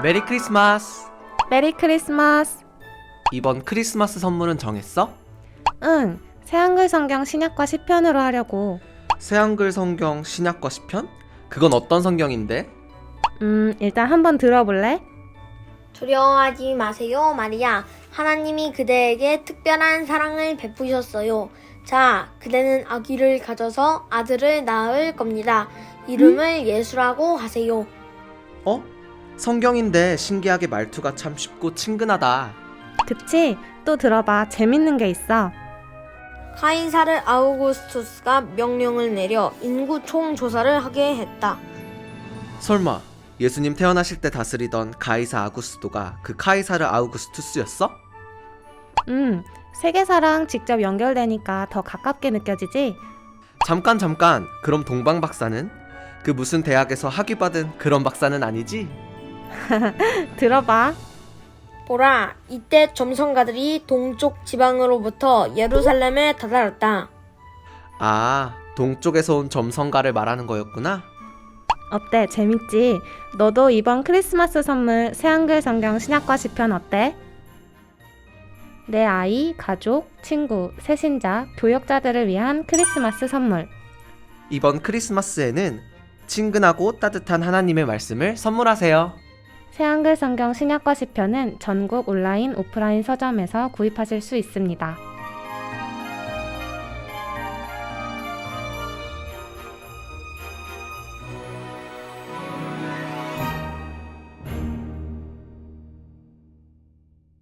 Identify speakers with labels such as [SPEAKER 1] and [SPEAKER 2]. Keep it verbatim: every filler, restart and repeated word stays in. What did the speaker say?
[SPEAKER 1] 메리 크리스마스!
[SPEAKER 2] 메리 크리스마스.
[SPEAKER 1] 이번 크리스마스 선물은 정했어?
[SPEAKER 2] 응, 새한글 성경 신약과 시편으로 하려고.
[SPEAKER 1] 새한글 성경 신약과 시편? 그건 어떤 성경인데?
[SPEAKER 2] 음, 일단 한번 들어볼래?
[SPEAKER 3] 두려워하지 마세요, 마리아. 하나님이 그대에게 특별한 사랑을 베푸셨어요. 자, 그대는 아기를 가져서 아들을 낳을 겁니다. 이름을 예수라고 하세요.
[SPEAKER 1] 어? 성경인데 신기하게 말투가 참 쉽고 친근하다.
[SPEAKER 2] 그치? 또 들어봐. 재밌는 게 있어.
[SPEAKER 3] 카이사르 아우구스투스가 명령을 내려 인구 총조사를 하게 했다.
[SPEAKER 1] 설마 예수님 태어나실 때 다스리던 가이사 아구스도가 그 카이사르 아우구스투스였어?
[SPEAKER 2] 음, 세계사랑 직접 연결되니까 더 가깝게 느껴지지?
[SPEAKER 1] 잠깐 잠깐, 그럼 동방 박사는? 그 무슨 대학에서 학위받은 그런 박사는 아니지?
[SPEAKER 2] 들어봐.
[SPEAKER 3] 보라, 이때 점성가들이 동쪽 지방으로부터 예루살렘에 다다랐다.
[SPEAKER 1] 아, 동쪽에서 온 점성가를 말하는 거였구나?
[SPEAKER 2] 어때? 재밌지? 너도 이번 크리스마스 선물 새한글 성경 신약과 시편 어때? 내 아이, 가족, 친구, 새신자, 교역자들을 위한 크리스마스 선물.
[SPEAKER 1] 이번 크리스마스에는 친근하고 따뜻한 하나님의 말씀을 선물하세요.
[SPEAKER 2] 새한글 성경 신약과 시편은 전국 온라인, 오프라인 서점에서 구입하실 수 있습니다.